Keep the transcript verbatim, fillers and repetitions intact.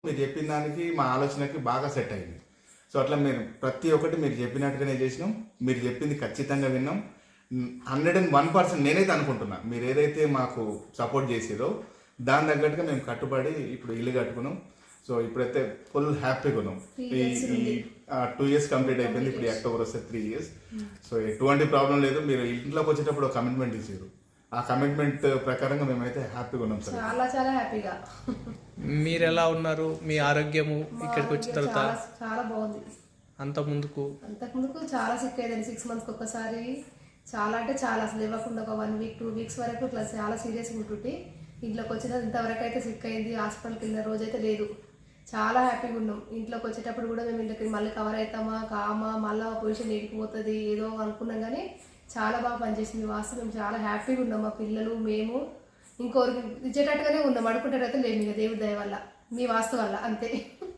మీరు చెప్పిన దానికి మా ఆలోచనకి బాగా సెట్ అయింది. సో అట్లా మీరు ప్రతి ఒక్కటి మీరు చెప్పినట్టుగానే చేసినాం. మీరు చెప్పింది ఖచ్చితంగా విన్నాం. హండ్రెడ్ అండ్ వన్ పర్సెంట్ నేనైతే అనుకుంటున్నా మీరు ఏదైతే మాకు సపోర్ట్ చేసిరో దాని తగ్గట్టుగా మేము కట్టుబడి ఇప్పుడు ఇల్లు కట్టుకున్నాం. సో ఇప్పుడైతే ఫుల్ హ్యాపీగా ఉన్నాం. ఈ టూ ఇయర్స్ కంప్లీట్ అయిపోయింది. ఇప్పుడు అక్టోబర్ వస్తే త్రీ ఇయర్స్. సో ఎటువంటి ప్రాబ్లం లేదు. మీరు ఇంట్లోకి వచ్చేటప్పుడు కమిట్మెంట్ ఇచ్చారు. ఆ కమిట్మెంట్ ప్రకారంగా మేమైతే హ్యాపీగా ఉన్నాం సార్. చాలా చాలా హ్యాపీగా. మీరు ఎలా ఉన్నారు? మీ ఆరోగ్యము ఇక్కడికి వచ్చిన తర్వాత చాలా చాలా బాగుంది. అంత ముందుకు అంతకు ముందుకు చాలా సిక్ అయ్యేదండి. సిక్స్ మంత్స్కి ఒక్కసారి చాలా అంటే చాలా అసలు ఇవ్వకుండా ఒక వన్ వీక్ టూ వీక్స్ వరకు ఇట్లా చాలా సీరియస్గా ఉంటుంటే ఇంట్లోకి వచ్చిన ఇంతవరకు అయితే సిక్ అయింది. హాస్పిటల్కి వెళ్ళిన రోజు అయితే లేదు. చాలా హ్యాపీగా ఉన్నాం. ఇంట్లోకి వచ్చేటప్పుడు కూడా మేము ఇంట్లోకి మళ్ళీ కవర్ అవుతామా కామా మళ్ళీ పొజిషన్ ఎడికిపోతుంది ఏదో అనుకున్నాం, కానీ చాలా బాగా పనిచేసింది. వాస్తవం మేము చాలా హ్యాపీగా ఉన్నాం. మా పిల్లలు మేము ఇంకోరికి ఇచ్చేటట్టుగానే ఉన్నాం. అడుకుంటారైతే లేము ఇక దేవుడి దయ వల్ల, మీ వాస్తు వల్ల అంతే.